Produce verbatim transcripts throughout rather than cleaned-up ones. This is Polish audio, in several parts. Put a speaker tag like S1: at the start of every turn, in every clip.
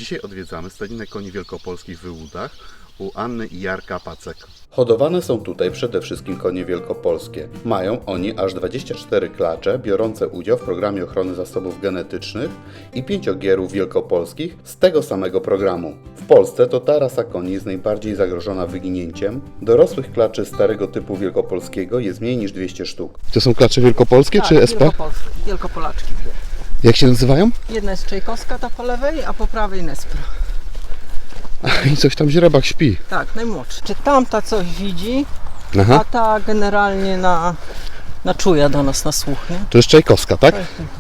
S1: Dzisiaj odwiedzamy stadninę koni wielkopolskich w Wyłudach u Anny i Jarka Pacek.
S2: Hodowane są tutaj przede wszystkim konie wielkopolskie. Mają oni aż dwadzieścia cztery klacze biorące udział w programie ochrony zasobów genetycznych i pięć ogierów wielkopolskich z tego samego programu. W Polsce to ta rasa koni jest najbardziej zagrożona wyginięciem. Dorosłych klaczy starego typu wielkopolskiego jest mniej niż dwieście sztuk.
S1: To są klacze wielkopolskie
S3: tak,
S1: czy S P?
S3: Wielkopolskie, wielkopolaczki dwie.
S1: Jak się nazywają?
S3: Jedna jest Czajkowska, ta po lewej, a po prawej Nespro.
S1: I coś tam źrebak śpi.
S3: Tak, najmłodszy. Czy tamta coś widzi,
S1: Aha.
S3: a ta generalnie na, na czuja do nas, na słuch, nie?
S1: To jest Czajkowska, tak?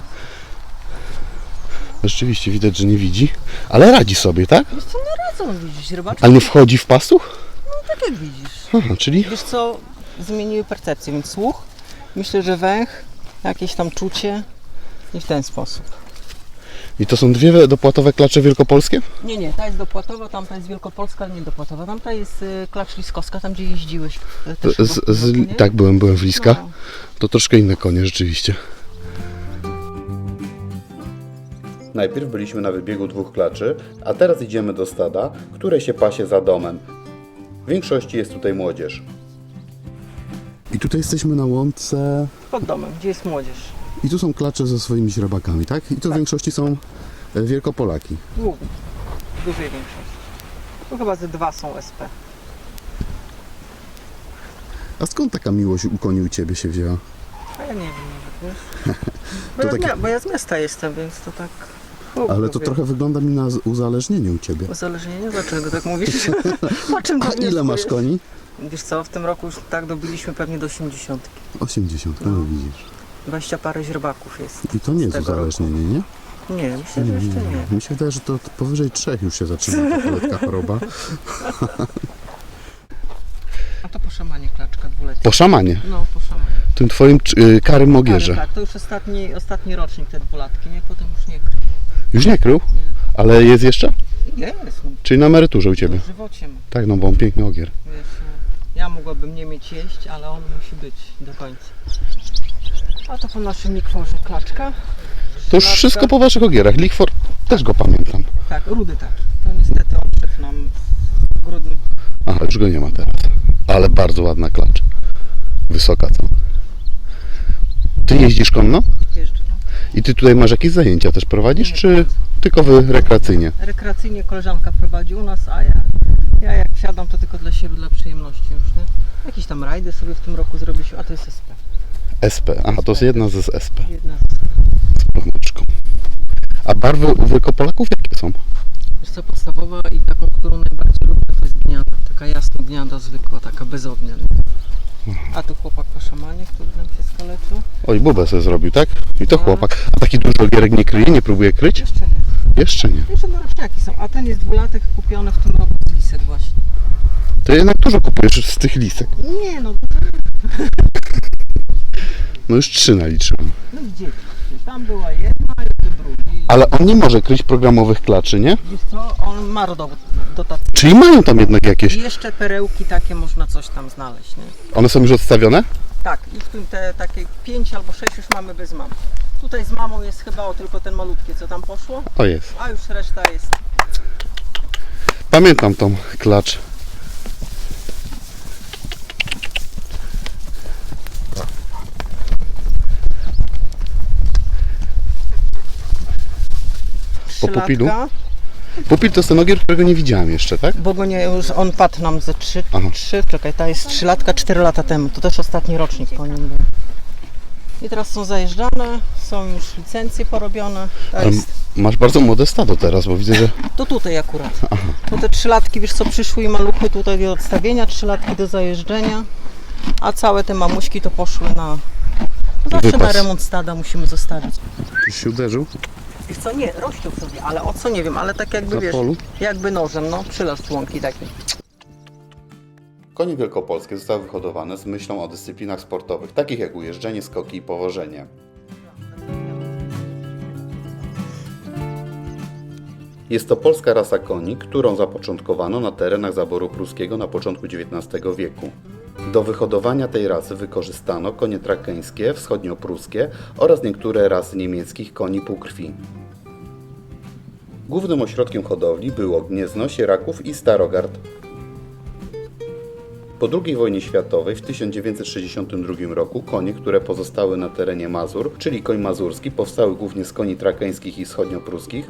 S1: Rzeczywiście widać, że nie widzi, ale radzi sobie, tak?
S3: Wiesz co, no radzą widzisz, rybaczki.
S1: Ale nie wchodzi w pastuch?
S3: No tak jak widzisz.
S1: Aha, czyli
S3: Wiesz co, zmieniły percepcję, więc słuch, myślę, że węch, jakieś tam czucie i w ten sposób.
S1: i to są dwie dopłatowe klacze wielkopolskie?
S3: Nie, nie, ta jest dopłatowa, tamta jest wielkopolska, ale nie dopłatowa. Tamta jest y, klacz liskowska, tam gdzie jeździłeś. y, też
S1: Z,
S3: chyba w tym roku,
S1: z,
S3: nie?
S1: tak, byłem, byłem w Liskach.
S3: No.
S1: To troszkę inne konie rzeczywiście.
S2: Najpierw byliśmy na wybiegu dwóch klaczy, a teraz idziemy do stada, które się pasie za domem. W większości jest tutaj młodzież.
S1: I tutaj jesteśmy na łące
S3: Pod domem, gdzie jest młodzież.
S1: i tu są klacze ze swoimi źrebakami, tak? I to w większości są e, Wielkopolaki.
S3: Głównie, w dużej większości. Tu chyba ze dwa są S P.
S1: A skąd taka miłość u koni u Ciebie się wzięła?
S3: A ja nie wiem nawet, wiesz? Bo,
S1: To
S3: ja,
S1: takie-
S3: z mia- bo ja z miasta jestem, więc to tak... Uf,
S1: Ale to
S3: lubię.
S1: trochę wygląda mi na z- uzależnienie u Ciebie.
S3: Uzależnienie? Dlaczego tak mówisz? O czym to
S1: A ile masz
S3: wnioskujesz?
S1: koni?
S3: Wiesz co, w tym roku już tak dobiliśmy pewnie do osiemdziesiątki.
S1: osiemdziesiąt, no,
S3: No.
S1: widzisz.
S3: dwadzieścia parę źrebaków jest.
S1: I to nie jest
S3: tego
S1: uzależnienie, nie?
S3: Nie, myślę, że jeszcze nie.
S1: Mi się wydaje, że to powyżej trzech już się zaczyna ta lekka choroba.
S3: A to po szamanie klaczka dwuletnia.
S1: Po szamanie,
S3: No, po szamanie.
S1: tym Twoim y, karym mogierze.
S3: Ale tak, to już ostatni, ostatni rocznik te dwulatki, nie? Potem już nie krył.
S1: Już nie krył?
S3: Nie.
S1: Ale jest jeszcze?
S3: Jest, no.
S1: Czyli na emeryturze u Ciebie.
S3: W żywocie ma.
S1: Tak, no bo on piękny ogier.
S3: Wiesz, no, ja mogłabym nie mieć jeść, ale on musi być do końca. A to po naszym Likworze klaczka.
S1: To już
S3: Szlaczka.
S1: wszystko po Waszych ogierach. Lichfor też go pamiętam.
S3: Tak, rudy taki. To niestety odszedł nam w grudniu.
S1: Aha, już go nie ma teraz. Ale bardzo ładna klacz. Wysoka co? Ty jeździsz konno?
S3: Jeżdżę, no.
S1: I Ty tutaj masz jakieś zajęcia też prowadzisz,
S3: Nie,
S1: czy tylko Wy rekreacyjnie?
S3: Rekreacyjnie koleżanka prowadzi u nas, a ja, ja jak wsiadam, to tylko dla siebie, dla przyjemności już, nie? Jakieś tam rajdy sobie w tym roku zrobiliśmy, a to jest S P.
S1: S P. Aha, to jest jedna z S P.
S3: Jedna z...
S1: Z plameczką. A barwy u Wielkopolaków jakie są?
S3: Wiesz co, podstawowa i taką, którą najbardziej lubię, to jest gniada. Taka jasna gniada zwykła, taka bez ognia. Nie? A tu chłopak po szamanie, który nam się skaleczył.
S1: Oj, bubę sobie zrobił, tak? I to
S3: No.
S1: chłopak. A taki duży ogierek nie kryje? Nie próbuje kryć?
S3: Jeszcze nie.
S1: Jeszcze nie.
S3: Jeszcze naroczniaki są, a ten jest dwulatek kupiony w tym roku z lisek właśnie.
S1: To jednak dużo kupujesz z tych lisek.
S3: Nie no,
S1: No już trzy naliczyłem.
S3: no gdzie? Tam była jedna i tu drugi.
S1: Ale on nie może kryć programowych klaczy, nie?
S3: Wiesz co, on ma do, dotację.
S1: Czyli mają tam jednak jakieś.
S3: I jeszcze perełki takie można coś tam znaleźć, nie?
S1: One są już odstawione?
S3: Tak, i w tym te takie pięć albo sześć już mamy bez mam. Tutaj z mamą jest chyba o tylko ten malutkie, co tam poszło,
S1: O, jest.
S3: a już reszta jest.
S1: Pamiętam tą klacz. Po pupilu?
S3: Trzylatka,
S1: Pupil to jest ten ogier, którego nie widziałem jeszcze, tak?
S3: bo go nie, już on padł nam ze trzy,
S1: Aha.
S3: trzy, czekaj, ta jest trzy latka, cztery lata temu, to też ostatni rocznik po nim był. I teraz są zajeżdżane, są już licencje porobione. To,
S1: Ale
S3: jest,
S1: masz bardzo młode stado teraz, bo widzę, że
S3: to tutaj akurat. Bo te trzylatki, wiesz co, przyszły i maluchy tutaj do odstawienia, trzylatki do zajeżdżenia, a całe te mamuśki to poszły na... Zawsze
S1: Wypas.
S3: na remont stada musimy zostawić.
S1: już się uderzył
S3: Wiesz co, nie, rościł sobie, ale o co nie wiem, ale tak jakby
S1: na
S3: wiesz,
S1: polu.
S3: jakby nożem, no, przylasz członki takie.
S2: Konie wielkopolskie zostały wyhodowane z myślą o dyscyplinach sportowych, takich jak ujeżdżenie, skoki i powożenie. Jest to polska rasa koni, którą zapoczątkowano na terenach zaboru pruskiego na początku dziewiętnastego wieku. Do wyhodowania tej rasy wykorzystano konie trakeńskie, wschodniopruskie oraz niektóre rasy niemieckich koni półkrwi. Głównym ośrodkiem hodowli było Gniezno, Sieraków i Starogard. Po drugiej wojnie światowej w tysiąc dziewięćset sześćdziesiątym drugim roku konie, które pozostały na terenie Mazur, czyli koń mazurski, powstały głównie z koni trakeńskich i wschodniopruskich,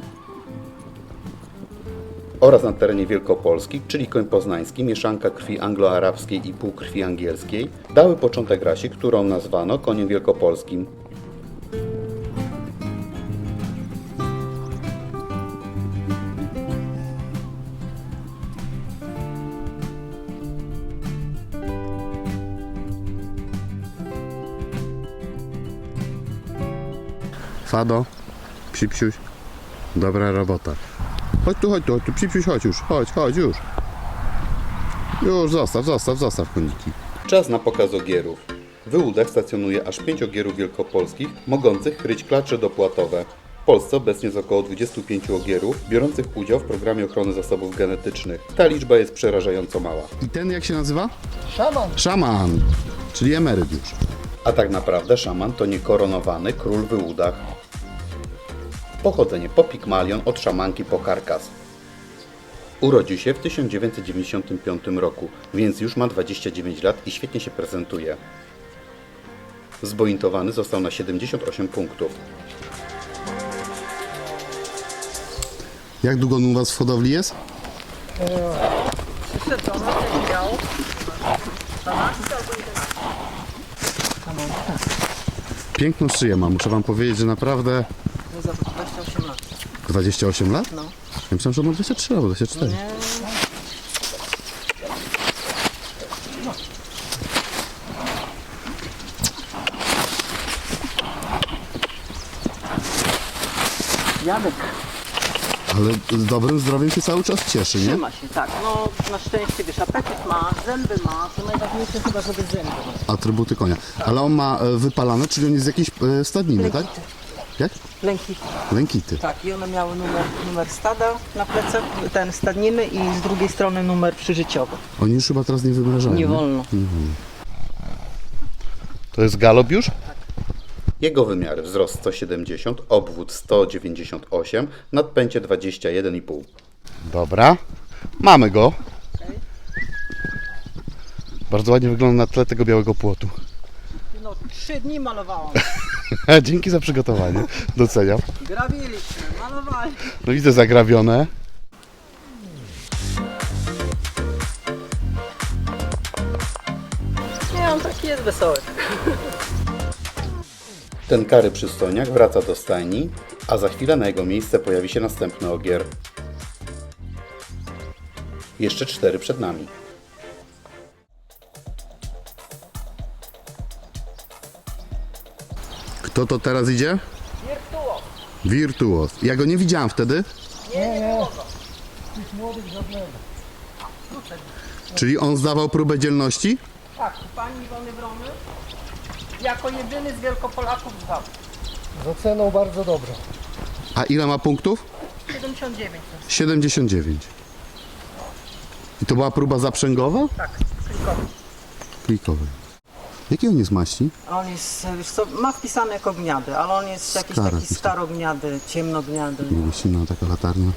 S2: oraz na terenie Wielkopolski, czyli koń poznański, mieszanka krwi anglo-arabskiej i półkrwi angielskiej, dały początek rasie, którą nazwano koniem wielkopolskim.
S1: Fado, psipsiuś, dobra robota. Chodź tu, chodź tu, chodź tu, psipsiuś, chodź już, chodź, chodź już. Już, zostaw, zostaw, zostaw koniki.
S2: Czas na pokaz ogierów. W Wyłudach stacjonuje aż pięć ogierów wielkopolskich, mogących kryć klacze dopłatowe. W Polsce obecnie jest około dwudziestu pięciu ogierów, biorących udział w programie ochrony zasobów genetycznych. Ta liczba jest przerażająco mała.
S1: I ten jak się nazywa?
S4: Szaman.
S1: Szaman, czyli emeryt już.
S2: A tak naprawdę szaman to niekoronowany król w Wyłudach. Pochodzenie po Pigmalion, od szamanki po Karkas. Urodził się w tysiąc dziewięćset dziewięćdziesiątym piątym roku, więc już ma dwadzieścia dziewięć lat i świetnie się prezentuje. Zbointowany został na siedemdziesiąt osiem punktów.
S1: Jak długo on u was w hodowli jest? Piękną szyję ma, muszę wam powiedzieć, że naprawdę
S3: No za dwadzieścia osiem lat.
S1: dwadzieścia osiem lat?
S3: No.
S1: Ja myślałem, że ma dwadzieścia trzy albo dwadzieścia cztery.
S3: Nie. Jadek.
S1: Ale z dobrym zdrowiem się cały czas cieszy, nie?
S3: Trzyma się, tak. No na szczęście wiesz, apetyt ma, zęby ma, to najważniejsze chyba, żeby zęby ma.
S1: Atrybuty konia. Ale on ma e, wypalane, czyli on jest z jakiejś e, stadniny, tak?
S3: Lękity.
S1: Jak?
S3: Lękity.
S1: Lękity.
S3: Tak, i one miały numer, numer stada na plecach, ten stadniny i z drugiej strony numer przyżyciowy.
S1: Oni już chyba teraz nie wymrażają.
S3: Nie wolno.
S1: To jest galop już?
S2: Jego wymiary: wzrost sto siedemdziesiąt, obwód sto dziewięćdziesiąt osiem, nadpęcie dwadzieścia jeden i pół.
S1: Dobra. Mamy go. Bardzo ładnie wygląda na tle tego białego płotu.
S3: No, trzy dni malowałam.
S1: Dzięki za przygotowanie. Doceniam.
S3: Grabiliśmy, malowali.
S1: No widzę zagrabione.
S3: Nie, on taki jest wesoły.
S2: Ten kary przystojniak wraca do stajni, a za chwilę na jego miejsce pojawi się następny ogier. Jeszcze cztery przed nami.
S1: Kto to teraz idzie?
S3: Wirtuo.
S1: Wirtuos. Ja go nie widziałam wtedy.
S3: Nie, nie było go.
S4: Tych młodych żadnego.
S1: Czyli on zdawał próbę dzielności?
S3: Tak, pani Iwony Wromy jako jedyny z Wielkopolaków zdał.
S4: Za ceną bardzo dobrą.
S1: A ile ma punktów?
S3: siedemdziesiąt dziewięć.
S1: siedemdziesiąt dziewięć. I to była próba zaprzęgowa?
S3: Tak, klikowy.
S1: Klikowej. Jaki on jest maści?
S3: A on jest, wiesz co, ma wpisane jako gniady, ale on jest jakiś
S1: Stara,
S3: taki
S1: jakiś
S3: starogniady, ciemnogniady.
S1: Silna taka latarnia.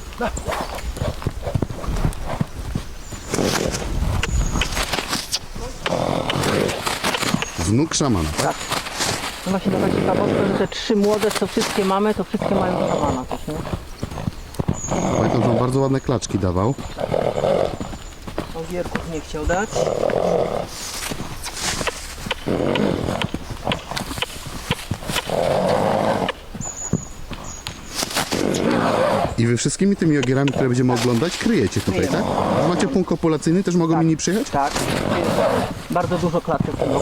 S1: Wnuk szamana, tak?
S3: No właśnie taka ciekawostka, że te trzy młode, co wszystkie mamy, to wszystkie mają szamana też, nie?
S1: Pamiętam, że on bardzo ładne klaczki dawał.
S3: Ogierków nie chciał dać.
S1: I wy wszystkimi tymi ogierami, które będziemy oglądać, kryjecie tutaj, tak? A macie punkt kopulacyjny, też mogą inni przyjechać?
S3: Tak, bardzo dużo klaczek. No.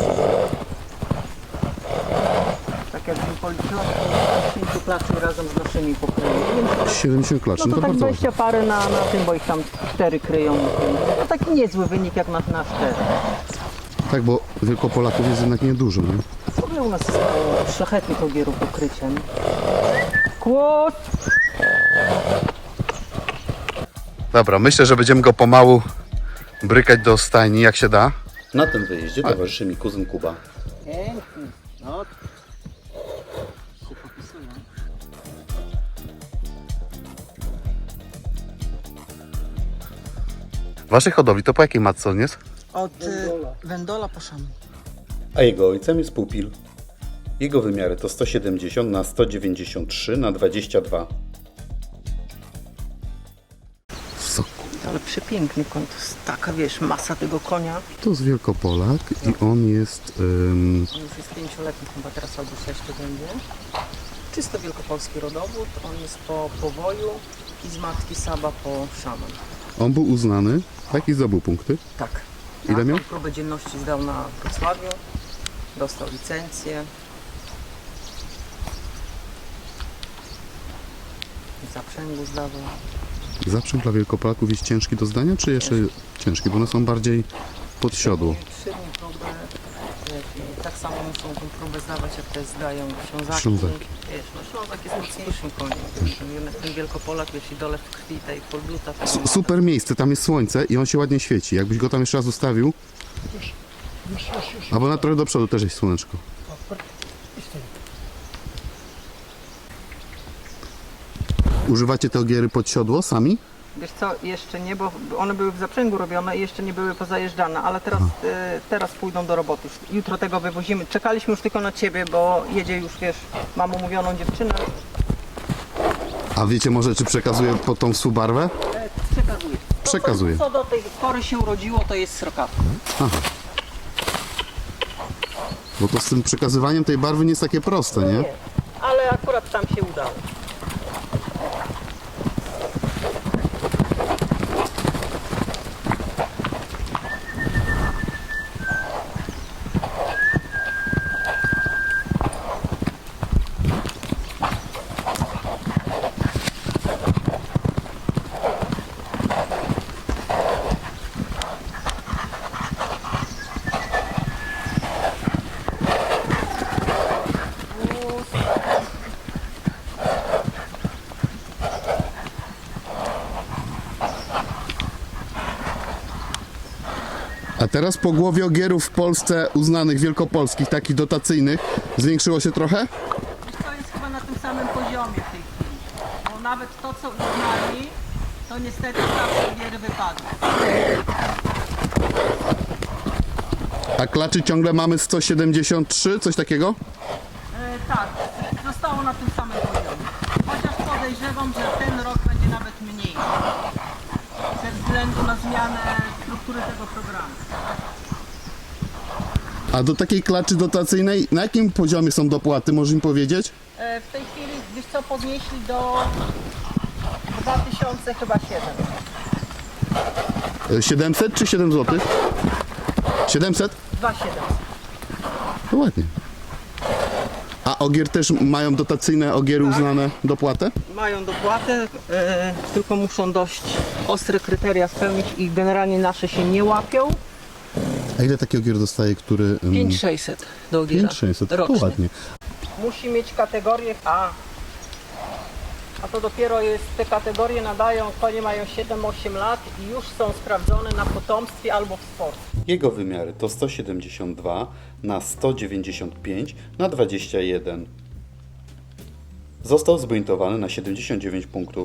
S3: Tak jakbym policzyła, to pięciu klaczy razem z naszymi pokryje.
S1: siedemdziesiąt klaczy,
S3: No
S1: no
S3: to
S1: to
S3: tak
S1: bardzo ładnie.
S3: dwadzieścia parę na, na tym, bo ich tam cztery kryją. To taki niezły wynik jak na, na cztery.
S1: Tak, bo Wielkopolaków jest jednak niedużo, nie?
S3: W ogóle u nas jest mało szlachetnych ogierów pokryciem. Kłos!
S1: Dobra, myślę, że będziemy go pomału brykać do stajni, jak się da.
S2: Na tym wyjeździe towarzyszy mi kuzyn Kuba.
S3: Piękny. No. Się popisują.
S1: Waszej hodowli to po jakiej matce on jest?
S3: Od
S4: Wędola.
S3: y, wędola po szaman.
S2: A jego ojcem jest pupil. Jego wymiary to sto siedemdziesiąt na sto dziewięćdziesiąt trzy na dwadzieścia dwa.
S1: Soku.
S3: Ale przepiękny koń, to jest taka, wiesz, masa tego konia.
S1: To jest Wielkopolak i on jest... ym,
S3: On już jest pięcioletni chyba teraz, albo sześć to będzie. Czysto wielkopolski rodowód, on jest po powoju i z matki Saba po szaman.
S1: on był uznany, tak, i zdobył punkty.
S3: Tak.
S1: Ile
S3: Tak,
S1: miał?
S3: on próbę dzienności zdał na Wrocławiu, dostał licencję. W zaprzęgu zdawał.
S1: Zaprzęg dla Wielkopolaków jest ciężki do zdania, czy jeszcze ciężki? Bo one są bardziej pod siodło.
S3: Trzy dni próbę. i Tak samo muszą tą próbę zdawać, jak te zdają Ślązaki.
S1: Ślązaki.
S3: Wiesz, no Ślązak jest mocniejszym koniem. Wiesz, jednak ten Wielkopolak, wiesz, i dole w krwi tej podbluta. to
S1: Su-
S3: ma-
S1: Super miejsce, tam jest słońce i on się ładnie świeci. Jakbyś go tam jeszcze raz ustawił,
S4: Już, już, już, już.
S1: albo na trochę do przodu też jest słoneczko.
S4: I stoi.
S1: Używacie te ogiery pod siodło sami?
S3: Wiesz co, jeszcze nie, bo one były w zaprzęgu robione i jeszcze nie były pozajeżdżane, ale teraz, e, teraz pójdą do roboty. Już jutro tego wywozimy. Czekaliśmy już tylko na ciebie, bo jedzie już, wiesz, mam umówioną dziewczynę.
S1: A wiecie może, czy przekazuje pod tą subarwę?
S3: E, przekazuję. To,
S1: Przekazuję.
S3: Co, co do tej pory się urodziło, to jest srokawa.
S1: Bo to z tym przekazywaniem tej barwy nie jest takie proste, nie?
S3: Nie, ale akurat tam się udało.
S1: A teraz po głowie ogierów w Polsce uznanych wielkopolskich, takich dotacyjnych, zwiększyło się trochę?
S3: To jest chyba na tym samym poziomie w tej chwili. Bo nawet to, co uznali, to niestety zawsze ogiery wypadły.
S1: A klaczy ciągle mamy sto siedemdziesiąt trzy, coś takiego?
S3: E, tak, zostało na tym samym poziomie. Chociaż podejrzewam, że ten rok będzie nawet mniej. Ze względu na zmianę struktury tego programu.
S1: A do takiej klaczy dotacyjnej, na jakim poziomie są dopłaty, możesz mi powiedzieć?
S3: E, w tej chwili, wiesz co, podnieśli do dwa tysiące chyba siedem.
S1: E, siedemset czy siedem złotych? siedemset?
S3: dwa siedem.
S1: To ładnie. A ogier też mają dotacyjne ogiery uznane dopłatę?
S3: Mają dopłatę, e, tylko muszą dość ostre kryteria spełnić i generalnie nasze się nie łapią.
S1: A ile taki ogier dostaje, który... ym,
S3: pięć tysięcy sześćset do ogiera.
S1: pięć tysięcy sześćset, to
S3: rocznie.
S1: ładnie.
S3: Musi mieć kategorię A. A to dopiero jest, te kategorie nadają, konie mają siedem osiem lat i już są sprawdzone na potomstwie albo w sporcie.
S2: Jego wymiary to sto siedemdziesiąt dwa na sto dziewięćdziesiąt pięć na dwadzieścia jeden. Został zbuntowany na siedemdziesiąt dziewięć punktów.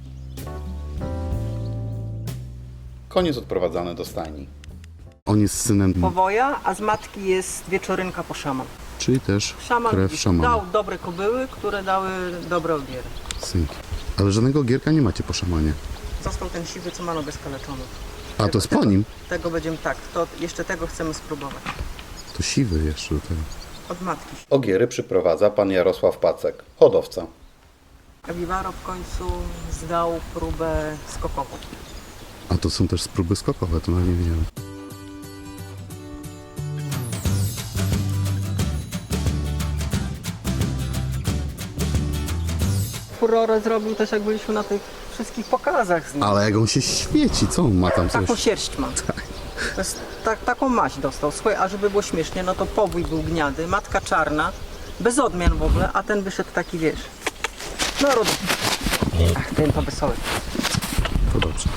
S2: Koniec odprowadzany do stajni.
S1: On jest synem,
S3: Powoja, a z matki jest wieczorynka po szaman.
S1: czyli też
S3: Szaman
S1: krew szamana.
S3: dał dobre kobyły, które dały dobre ogiery.
S1: Synki. Ale żadnego ogierka nie macie po szamanie.
S3: Został ten siwy, co ma nogę skaleczoną.
S1: A to jest po nim?
S3: Tego będziemy tak, to jeszcze tego chcemy spróbować.
S1: To siwy jeszcze do tego.
S3: Od matki.
S2: Ogiery przyprowadza pan Jarosław Pacek, hodowca.
S3: Wiwaro w końcu zdał próbę skokową.
S1: A to są też próby skokowe, to nawet nie wiedziałem.
S3: Furorę zrobił też, jak byliśmy na tych wszystkich pokazach z nim.
S1: Ale jak on się świeci, co on ma tam
S3: Taką
S1: coś?
S3: sierść ma. To jest, tak, taką maść dostał. Słuchaj, a żeby było śmiesznie, no to powój był gniady, matka czarna, bez odmian w ogóle, a ten wyszedł taki, wiesz, no rod... Ach, ten to wesoły.
S1: To dobrze.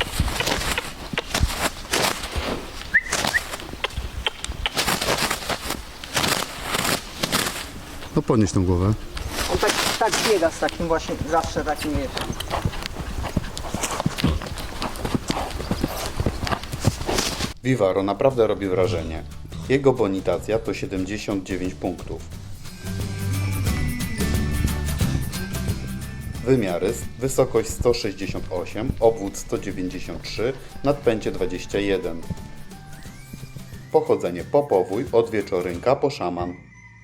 S1: No podnieś tą głowę.
S3: On tak, tak biega z takim właśnie, zawsze takim, wiesz.
S2: Vivaro naprawdę robi wrażenie. Jego bonitacja to siedemdziesiąt dziewięć punktów. Wymiary: wysokość sto sześćdziesiąt osiem, obwód sto dziewięćdziesiąt trzy, nadpęcie dwadzieścia jeden. Pochodzenie po powój, od wieczorynka po szaman.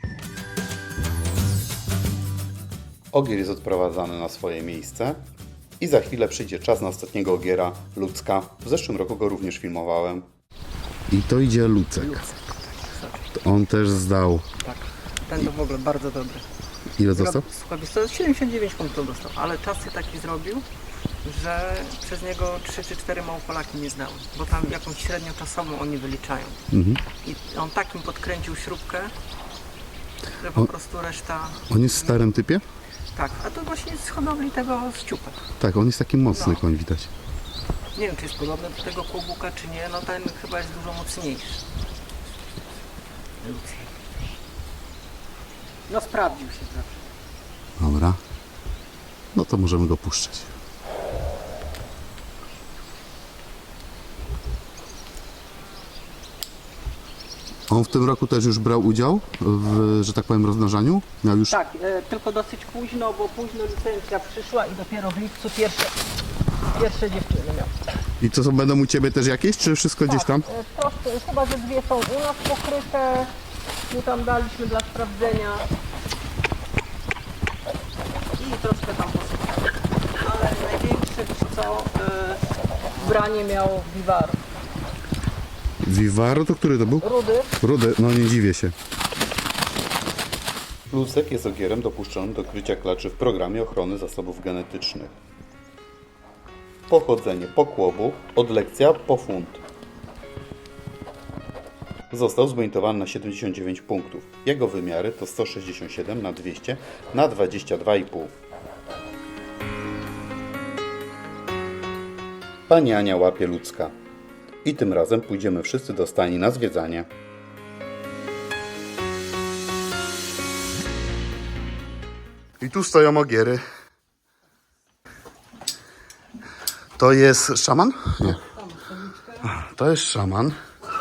S2: Ogier jest odprowadzany na swoje miejsce i za chwilę przyjdzie czas na ostatniego ogiera, Ludzka. W zeszłym roku go również filmowałem.
S1: I to idzie Lucek. To on też zdał.
S3: Tak, ten to w ogóle bardzo dobry.
S1: Ile został?
S3: Słuchaj, wiesz co, siedemdziesiąt dziewięć punktów dostał, ale czasy taki zrobił, że przez niego trzy czy cztery Małopolaki nie znały, bo tam jakąś średnią czasową oni wyliczają.
S1: Mhm.
S3: I on takim podkręcił śrubkę, że po
S1: O-
S3: prostu reszta...
S1: On jest w starym typie?
S3: Tak, a to właśnie z hodowli tego z ciupek.
S1: Tak, on jest taki mocny
S3: No.
S1: koń, widać.
S3: Nie wiem, czy jest podobny do tego kłobuka, czy nie, no ten chyba jest dużo mocniejszy. No sprawdził się zawsze.
S1: Dobra. No to możemy go puszczać. On w tym roku też już brał udział w, że tak powiem, rozmnażaniu? Miał już...
S3: Tak, e, tylko dosyć późno, bo późno licencja przyszła i dopiero w lipcu pierwsze, pierwsze dziewczyny miał.
S1: I co, są, będą u Ciebie też jakieś, czy wszystko gdzieś tam?
S3: Tak, e, troszkę, chyba że dwie są u nas pokryte, mu tam daliśmy dla sprawdzenia i troszkę tam posypane. Ale największe, wiesz co, e, branie miało Vivaro.
S1: Vivaro to który to był?
S3: Rudy,
S1: Rudy, no nie dziwię się.
S2: Lucek jest ogierem dopuszczonym do krycia klaczy w programie ochrony zasobów genetycznych. Pochodzenie po kłobu, od lekcja po funt. Został zbonitowany na siedemdziesiąt dziewięć punktów. Jego wymiary to sto sześćdziesiąt siedem na dwieście na dwadzieścia dwa i pół. Pani Ania łapie Ludzka. I tym razem pójdziemy wszyscy do stajni na zwiedzanie.
S1: I tu stoją ogiery. To jest szaman? Nie. To jest szaman.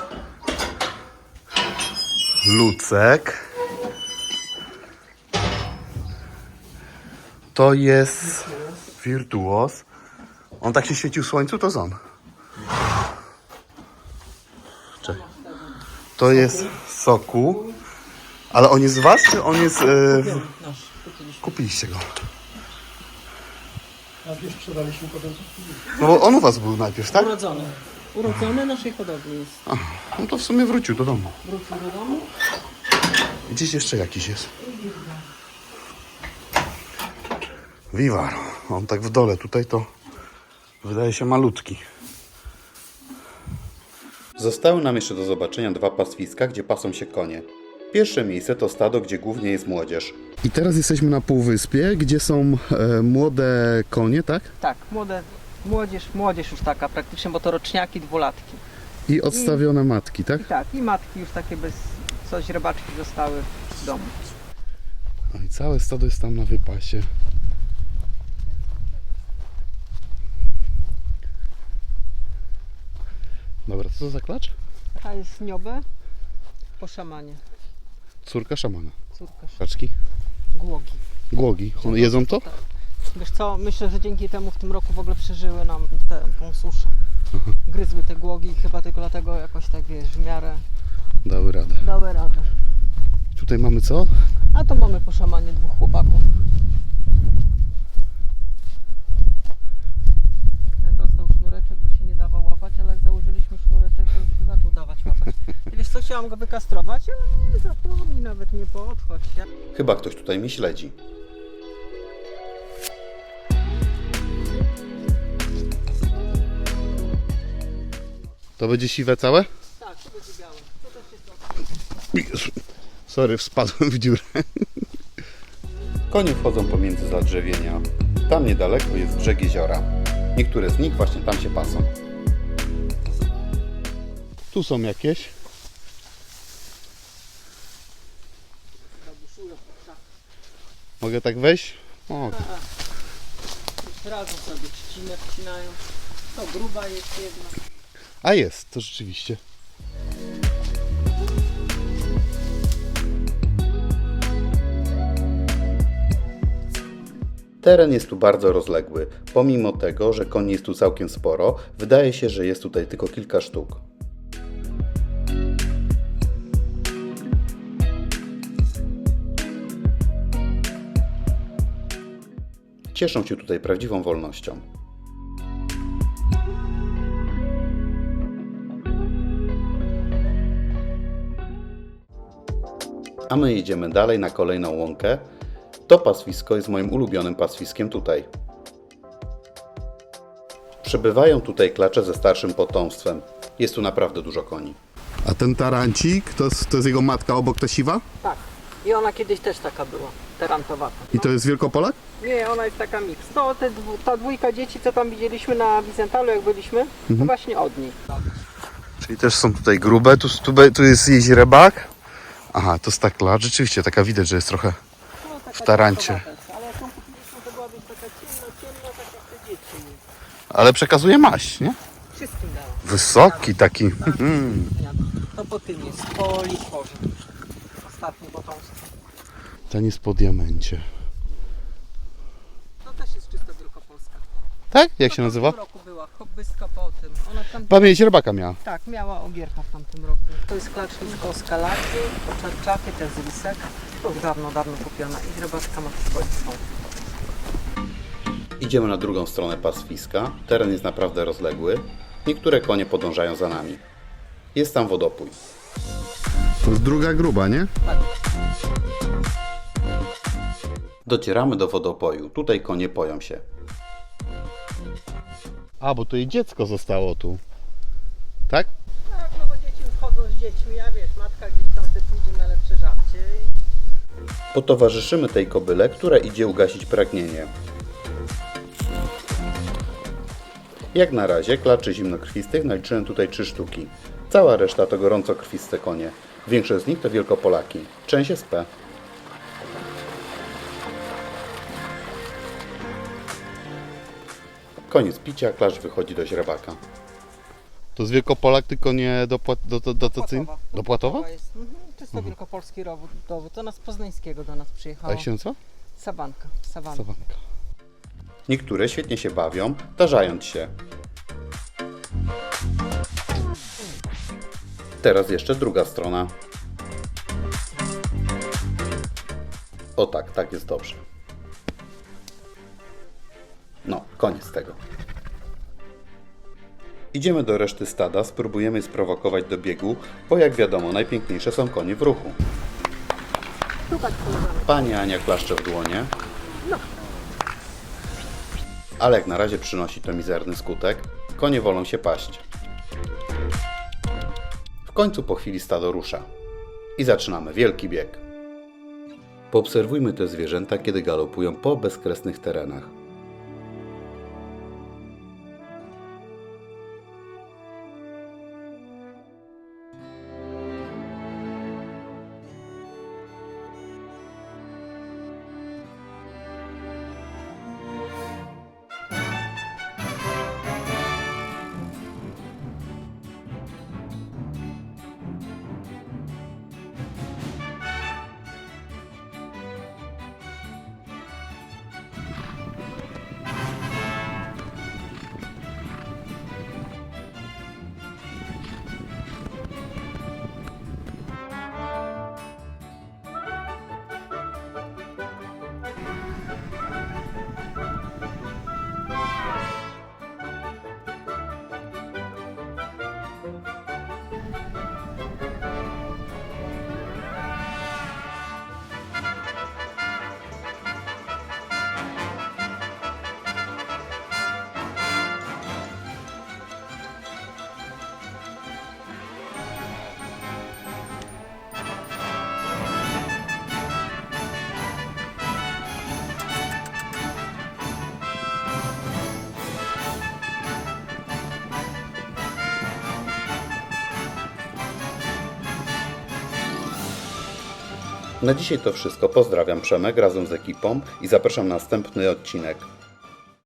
S1: Lucek. To jest wirtuos. On tak się świecił w słońcu, to jest on. Czekaj. To jest soku. Ale on jest z was, czy on jest... E, w...
S3: nasz, kupiliśmy.
S1: Kupiliście go.
S4: A gdzieś sprzedaliśmy potem.
S1: No bo on u was był najpierw, tak?
S3: Urodzony. Urodzony naszej hodowli jest.
S1: No to w sumie wrócił do domu.
S3: Wrócił do domu.
S1: Gdzieś jeszcze jakiś jest. Vivaro. On tak w dole tutaj to wydaje się malutki.
S2: Zostały nam jeszcze do zobaczenia dwa pastwiska, gdzie pasą się konie. Pierwsze miejsce to stado, gdzie głównie jest młodzież.
S1: I teraz jesteśmy na półwyspie, gdzie są e, młode konie, tak?
S3: Tak, młode, młodzież, młodzież już taka praktycznie, bo to roczniaki, dwulatki.
S1: I odstawione matki, tak?
S3: I tak, i matki już takie bez, coś rybaczki zostały w domu.
S1: No i całe stado jest tam na wypasie. Dobra, co to za klacz?
S3: A jest niobę po szamanie,
S1: Córka szamana.
S3: córka sz-
S1: Kaczki?
S3: głogi.
S1: Głogi. One jedzą to?
S3: Tak. Wiesz co, myślę, że dzięki temu w tym roku w ogóle przeżyły nam tę tą suszę. Gryzły te głogi i chyba tylko dlatego jakoś tak, wiesz, w miarę
S1: Dały radę.
S3: dały radę.
S1: Tutaj mamy co?
S3: A to mamy po szamanie dwóch chłopaków. Ten dostał sznureczek, bo się nie dawał łapać, ale jak założyliśmy sznureczek, to już się zaczął dawać łapać. I wiesz co, chciałam go wykastrować, ale nie zapomnij, nawet nie podchodź. Ja...
S2: Chyba ktoś tutaj mnie śledzi.
S1: To będzie siwe całe?
S3: Tak, to będzie białe. To też jest
S1: Jezu. Sorry, wpadłem w dziurę.
S2: Konie wchodzą pomiędzy zadrzewienia. Tam niedaleko jest brzeg jeziora. Niektóre z nich właśnie tam się pasą.
S1: Tu są jakieś. Mogę tak wejść? O,
S3: Już razem sobie trzcinę wcinają. To gruba jest jedna.
S1: A jest, to rzeczywiście.
S2: Teren jest tu bardzo rozległy. Pomimo tego, że koni jest tu całkiem sporo, wydaje się, że jest tutaj tylko kilka sztuk. Cieszą się tutaj prawdziwą wolnością. A my jedziemy dalej na kolejną łąkę. To pastwisko jest moim ulubionym pastwiskiem tutaj. Przebywają tutaj klacze ze starszym potomstwem. Jest tu naprawdę dużo koni.
S1: A ten tarancik, to, jest- to jest jego matka obok, ta siwa?
S3: Tak. I ona kiedyś też taka była, terantowata.
S1: I to jest Wielkopolak?
S3: Nie, ona jest taka miks. No, te dwu, ta dwójka dzieci, co tam widzieliśmy na Wizentalu, jak byliśmy, to właśnie od niej.
S1: Czyli też są tutaj grube, tu, tu, be- tu jest jeźdźrebak. Aha, to jest ta klacz, rzeczywiście taka widać, że jest trochę
S3: No, taka
S1: w tarancie.
S3: ciemnowata, ale jak ją kupiliśmy, to była być taka ciemno, ciemno, tak jak te dzieci.
S1: Ale przekazuje maść, nie?
S3: Wszystkim dała.
S1: Wysoki taki.
S3: To po tym jest, po litworze. Ostatnie potomstwo.
S1: Ten jest po diamencie.
S3: To też jest czysto wielkopolska.
S1: Tak? Jak
S3: To
S1: się
S3: w
S1: nazywa?
S3: tym roku była, hobbystka po tym. Ona tam...
S1: Pamięć rybaka miała.
S3: Tak, miała ogierka w tamtym roku. To jest klacznisko z kalaczy, czarczaky, to jest lisek. To już dawno, dawno kupiona. I rybaczka ma swoje.
S2: Idziemy na drugą stronę pastwiska. Teren jest naprawdę rozległy. Niektóre konie podążają za nami. Jest tam wodopój.
S1: To jest druga gruba, nie?
S2: Docieramy do wodopoju. Tutaj konie poją się.
S1: A, bo to jej dziecko zostało tu. Tak?
S3: Tak, no bo dzieci już chodzą z dziećmi, a wiesz, matka gdzieś tam sobie pójdzie na lepsze żarcie.
S2: Potowarzyszymy tej kobyle, która idzie ugasić pragnienie. Jak na razie klaczy zimnokrwistych naliczyłem tutaj trzy sztuki. Cała reszta to gorącokrwiste konie. Większość z nich to Wielkopolaki. Część jest P. Koniec picia, klacz wychodzi do źrebaka.
S1: To jest Wielkopolak, tylko nie dopłat, do, do, dotacyjny?
S3: Płatowa.
S1: Dopłatowa?
S3: Jest, mhm, czysto wielkopolski dowód, dowód. To nas z Poznańskiego do nas przyjechało.
S1: A jak się nazywa?
S3: Sawanka, sawanka.
S1: Sawanka.
S2: Niektóre świetnie się bawią, tarzając się. Teraz jeszcze druga strona. O tak, tak jest dobrze. No, koniec tego. Idziemy do reszty stada, spróbujemy sprowokować do biegu, bo jak wiadomo, najpiękniejsze są konie w ruchu. Pani Ania klaszcze w dłonie. Ale jak na razie przynosi to mizerny skutek. Konie wolą się paść. W końcu po chwili stado rusza. I zaczynamy wielki bieg. Poobserwujmy te zwierzęta, kiedy galopują po bezkresnych terenach. Na dzisiaj to wszystko. Pozdrawiam, Przemek razem z ekipą i zapraszam na następny odcinek.